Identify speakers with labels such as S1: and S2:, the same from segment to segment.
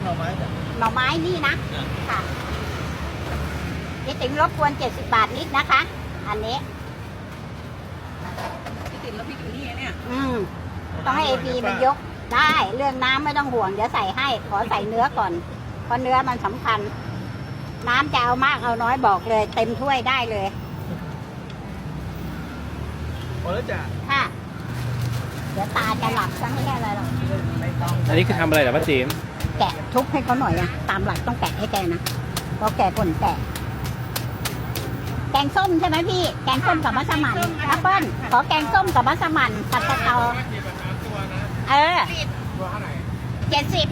S1: น่อไม้จ้ะ
S2: หน่อไม้นี่นะค่ะนี่ติ๋มรบกวน70 บาทนิดนะคะ อันนี้
S3: พี่ติ๋มแล้วพี่อยู่นี่เนี่ย
S2: ต้องให้APมันยกได้เรื่องน้ำไม่ต้องห่วงเดี๋ยวใส่ให้ขอใส่เนื้อก่อนเพราะเนื้อมันสำคัญน้ำจะเอามากเอาน้อยบอกเลย เต็มถ้วยได้เลย
S1: พอแล้วจ้ะ
S2: ค่ะเดี๋ยวตาจะหลับซะไม่ใช่อะไรหรอก
S1: ไม่ต้อง
S4: อันนี้คือทำอะไรเหรอป้าติ๋ม
S2: แกะทุบให้เขาหน่อยอะตามหลักต้องแกะให้แกนะเพราะแกคนแกะแกงส้มใช่ไหมพี่แกงส้มกับมัสมั่นแอปเปิ้ลขอแกงส้มกับมัสมั่นผัดกะเพราเออ
S1: ตัวเท่าไหร่
S2: 70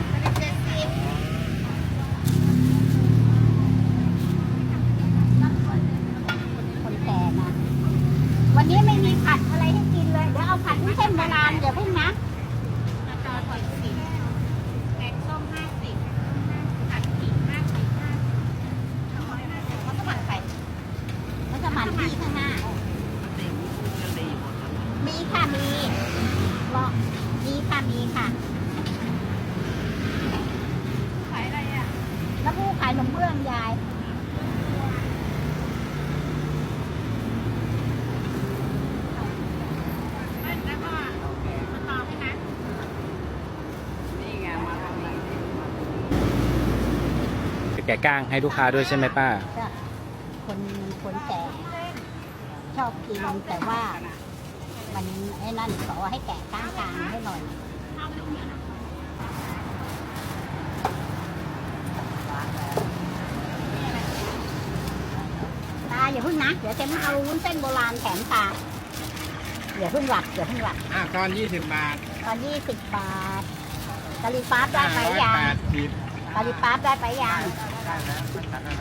S2: คนแก่นะวันนี้ไม่มีผัดอะไรให้กินเลยเดี๋ยวเอาผัดวุ้นเส้นโบราณเดี๋ยวเพิ่งนะแกงส้ม50ผัดขิง50มัสมั่นไข่มัสมั่นที่ข้างหน้ามีค่ะมีรอมีค่ะมีค่ะขายอะไรอ่ะแล้วผู้ขายขนมเบื้องยายแล้วก็มาต่อให้นะ
S3: นี่ไงมาทำอะไร
S4: แกะก้างให้ลูกค้าด้วยใช่ไหมป้า
S2: ก็คนแก่ชอบกินแต่ว่ามันไอ้นั่นขอให้แกะกลางๆให้หน่อยตาอย่าเพิ่งนะเดี๋ยวเจมเอาวุ้นเส้นโบราณแถมตาอย่าเพิ่งหลับ
S1: ตอน20 บาท
S2: ตอน20 บาทกะหรี่ปั๊บได้ไปยัง
S1: 180
S2: กะหรี่ปั๊บได้ไปยัง
S1: ได้แล้วมันตัดแล้วนะ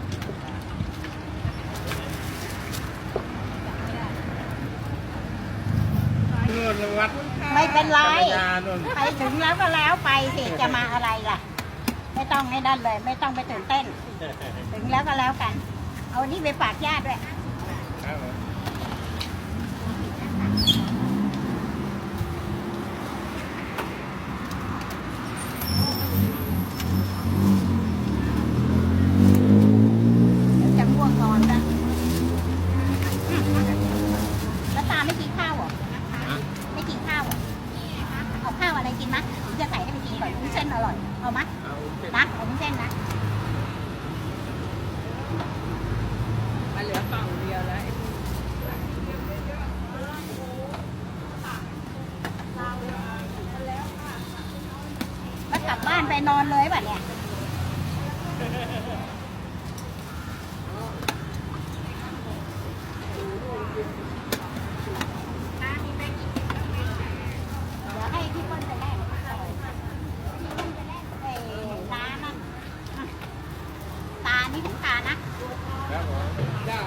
S1: นู่นวัด
S2: ไม่เป็นไร
S1: จักรยานนู่น
S2: ไปถึงแล้วก็แล้วไปสิจะมาอะไรล่ะ ไม่ต้องให้นั่นเลย ไม่ต้องไปตื่นเต้น ถึงแล้วก็แล้วกัน เอานี่ไปฝากญาติด้วย
S1: ครับผม
S2: เดี๋ยวจะง่วงนอนนะแล้วตาไม่กินข้าวเหรอไม่กินข้าวเหรอเอาข้าวอะไรกินมะหรือจะใส่ให้ไปกินก่อนวุ้นเส้นอร่อย เอามะ
S1: เอาเสร็จ
S2: นะเอาวุ้นเส้นนะ
S3: มาเหลือกล่องเดียวแล้ว
S2: แล้วกลับบ้านไปนอนเลยป่ะเนี่ยเดี๋ยวให้พี่เปิ้ลไปแลกพี่เปิ้ลไปแลกร้านนะตานี่ถึงตานะครับ
S1: ผมจ้า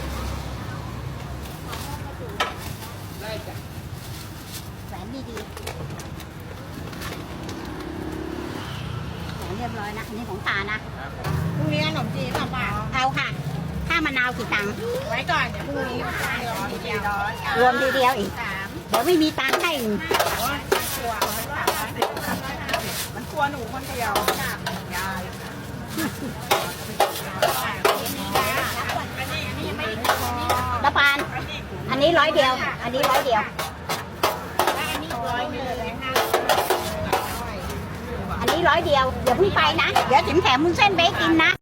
S1: ได้จ้ะ
S2: แหวนดีๆแหวนเรียบร้อยนะอันนี้ของตานะ
S3: พรุ่งนี้ขนมจีนหรือเปล่า
S2: เอาค่ะค่ามะนาวกี่ตังค์
S3: ไว้ก่อนเดี๋ยวพรุ่งนี้400
S2: รวมทีเดียวอีก เดี๋ยวไม่มีตังค์ให้อีก
S3: มันกลัวหนูคนเดียวยาย
S2: ละปาน อันนี้100 เดียว อันนี้100 เดียว อันนี้100 เดียว เดี๋ยวเพิ่งไปนะ เดี๋ยวจิ๋มแถมมุ้นเส้นไปให้กินนะ